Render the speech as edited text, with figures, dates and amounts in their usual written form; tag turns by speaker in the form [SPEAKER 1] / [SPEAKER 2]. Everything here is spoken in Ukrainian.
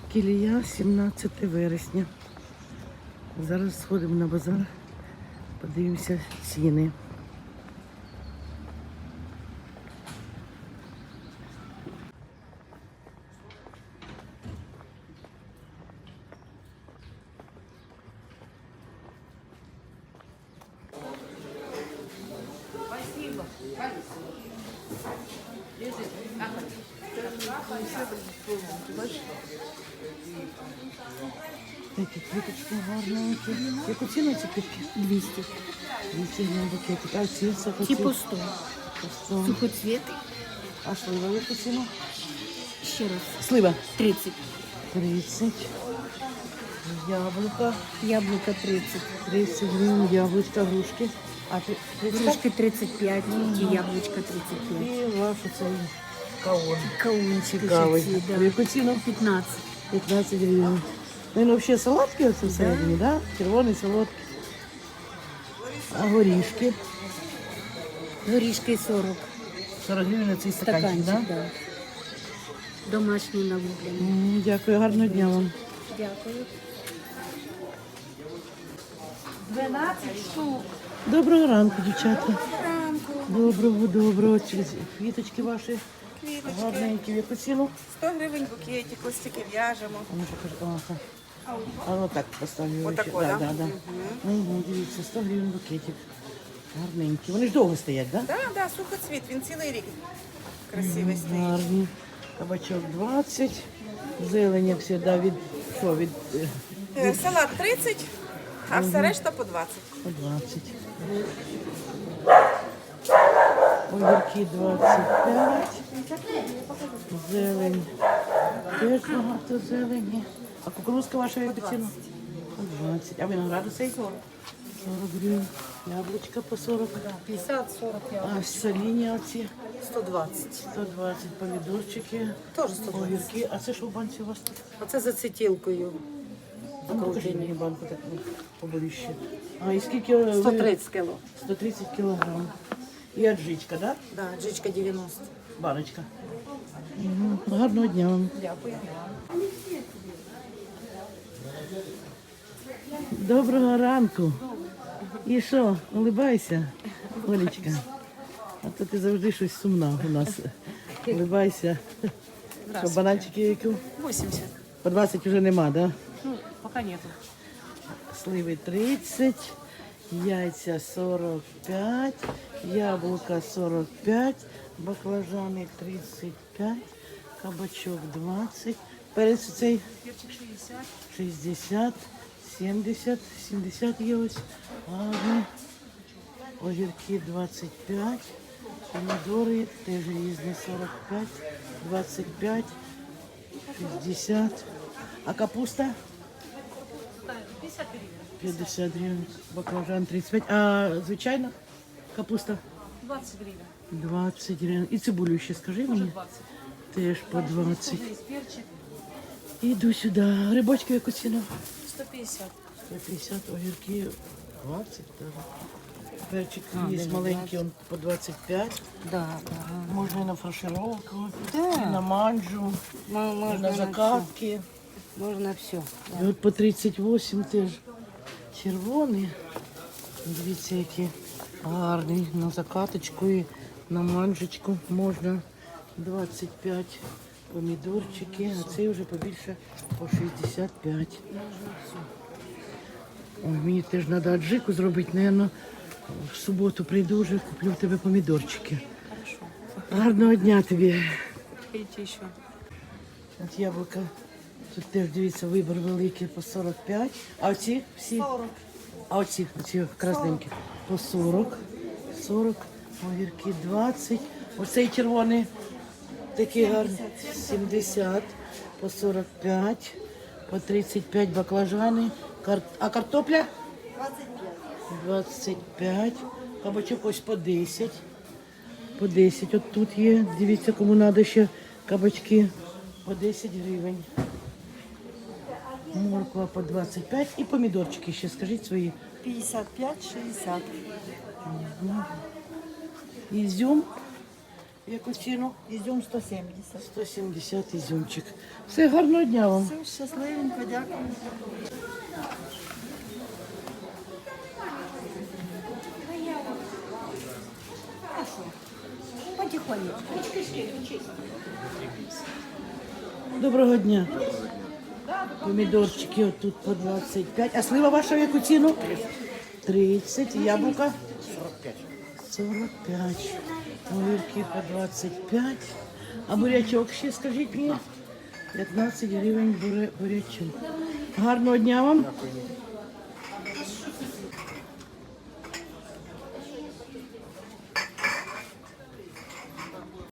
[SPEAKER 1] Кілія, 17 вересня. Зараз сходимо на базар, подивимося ціни. Такі квіточки гарненькі. Яку ціну ці квітки?
[SPEAKER 2] 200.
[SPEAKER 1] 200 гривень букетик. А ці сухоці?
[SPEAKER 2] Типу 100.
[SPEAKER 1] По 100.
[SPEAKER 2] Сухоцвети.
[SPEAKER 1] А слива яку ціну?
[SPEAKER 2] Ще раз.
[SPEAKER 1] Слива.
[SPEAKER 2] 30.
[SPEAKER 1] 30. Яблука.
[SPEAKER 2] Яблуко 30.
[SPEAKER 1] 30 гривень. Яблучка, грушки. А 30?
[SPEAKER 2] Грушки 35. І яблучко 35.
[SPEAKER 1] І ваш оцей каон.
[SPEAKER 2] Каунчик
[SPEAKER 1] Цікавий.
[SPEAKER 2] ще ці,
[SPEAKER 1] А
[SPEAKER 2] да.
[SPEAKER 1] яку ціну?
[SPEAKER 2] 15.
[SPEAKER 1] 15 гривень. Ну, він взагалі солодкий оце всередині, да? Червоний, солодкий. А горішки?
[SPEAKER 2] Горішки 40.
[SPEAKER 1] 40 гривень на цей стаканчик,
[SPEAKER 2] Стаканчик,
[SPEAKER 1] да?
[SPEAKER 2] да. Домашній навуплення.
[SPEAKER 1] Дякую, гарного дня вам.
[SPEAKER 2] Дякую.
[SPEAKER 3] 12 штук.
[SPEAKER 1] Доброго ранку, дівчата.
[SPEAKER 3] Ранку.
[SPEAKER 1] Доброго. Ці квіточки ваші
[SPEAKER 3] Квіточки.
[SPEAKER 1] гарненькі. В яку ціну?
[SPEAKER 3] 100 гривень букетик, ось таки в'яжемо.
[SPEAKER 1] А ну покажи. Ага. А ну так поставлю.
[SPEAKER 3] Отако,
[SPEAKER 1] да?
[SPEAKER 3] да?
[SPEAKER 1] Да. Угу, дивіться, 100 гривень букетик. Гарненькі. Вони ж довго стоять, так? Да?
[SPEAKER 3] Да, сухоцвіт, він цілий рік красивий стоїть.
[SPEAKER 1] Гарні. Кабачок 20. Зелень, як завжди, від що? Від
[SPEAKER 3] Салат 30, а все решта по 20.
[SPEAKER 1] по 20. Огірки 25. Зелень. Теж багато зелені. А кукурузка ваша яку ціну? По 20. А винограду цей? 40 гривень. Яблучка по 40.
[SPEAKER 2] 50-40
[SPEAKER 1] А соліні оці?
[SPEAKER 2] 120.
[SPEAKER 1] 120 помідорчики.
[SPEAKER 2] Теж 120.
[SPEAKER 1] Огірки. А це що в банці у вас тут?
[SPEAKER 2] Оце за цитілкою.
[SPEAKER 1] А ну, покажіть мені банку таку поболіще. А і скільки? ви-
[SPEAKER 2] 130 кіло.
[SPEAKER 1] 130 кілограм. І аджичка, так? Да?
[SPEAKER 2] Да, джичка 90.
[SPEAKER 1] Баночка. Угу. Гарного дня вам.
[SPEAKER 2] Дякую.
[SPEAKER 1] Доброго ранку. І що, улибайся, Олечка. А то ти завжди щось сумна у нас. Улибайся. Що, бананчики які?
[SPEAKER 2] 80.
[SPEAKER 1] По 20 вже нема, да?
[SPEAKER 2] Ну, пока нету.
[SPEAKER 1] Сливи 30, яйця 45, яблука 45, баклажани 35, кабачок 20, перець цей 60, 70 є ось, ладно, огірки 25, помідори теж різні 45, 25, 60, а капуста? 50 гривень, баклажан 35, а звичайно капуста?
[SPEAKER 2] 20 гривен.
[SPEAKER 1] 20 гривень. І цибулю ще скажи мені.
[SPEAKER 2] 20.
[SPEAKER 1] Теж по 20.
[SPEAKER 2] Есть перчик.
[SPEAKER 1] Іду сюди. Грибочки яку ціну?
[SPEAKER 2] 150.
[SPEAKER 1] 150, огірки 20. Так. Перчик є маленький, он по 25.
[SPEAKER 2] Да, да.
[SPEAKER 1] Можна і на фаршировку,
[SPEAKER 2] Да.
[SPEAKER 1] і на манджу, і
[SPEAKER 2] Можно
[SPEAKER 1] на закатки.
[SPEAKER 2] Можно все.
[SPEAKER 1] І от по 38 теж червоний. Дивіться, які гарні. На закаточку і на манжечку можна 25 помідорчики, а цей вже побільше по 65. Ой, мені теж треба аджику зробити, наверно, в суботу прийду вже, куплю в тебе помідорчики. Гарного дня тобі.
[SPEAKER 2] Приходите еще.
[SPEAKER 1] От яблука. Тут теж, дивіться, вибір великий по 45. А оці всі? 40. А оці красненькі? По 40. 40. Огірки 20. Оцей червоний такий гарний. 70. По 45. По 35 баклажани. А картопля? 25. Кабачок ось по 10. По 10. От тут є. Дивіться, кому треба ще кабачки. По 10 гривень. Морква по 25 і помідорчики ще, скажіть свої.
[SPEAKER 4] 55-60.
[SPEAKER 1] Ізюм Яку ціну?
[SPEAKER 3] Ізюм 170.
[SPEAKER 1] 170 ізюмчик. Все, гарного дня вам.
[SPEAKER 3] Все, щасливенько, дякую. Потихонечку.
[SPEAKER 1] Доброго дня. Помідорчики отут по 25. А слива ваша в яку ціну? 30. Яблука? 45. Огірки по 25. А бурячок ще скажіть мені? 15 гривень бурячок. Гарного дня вам.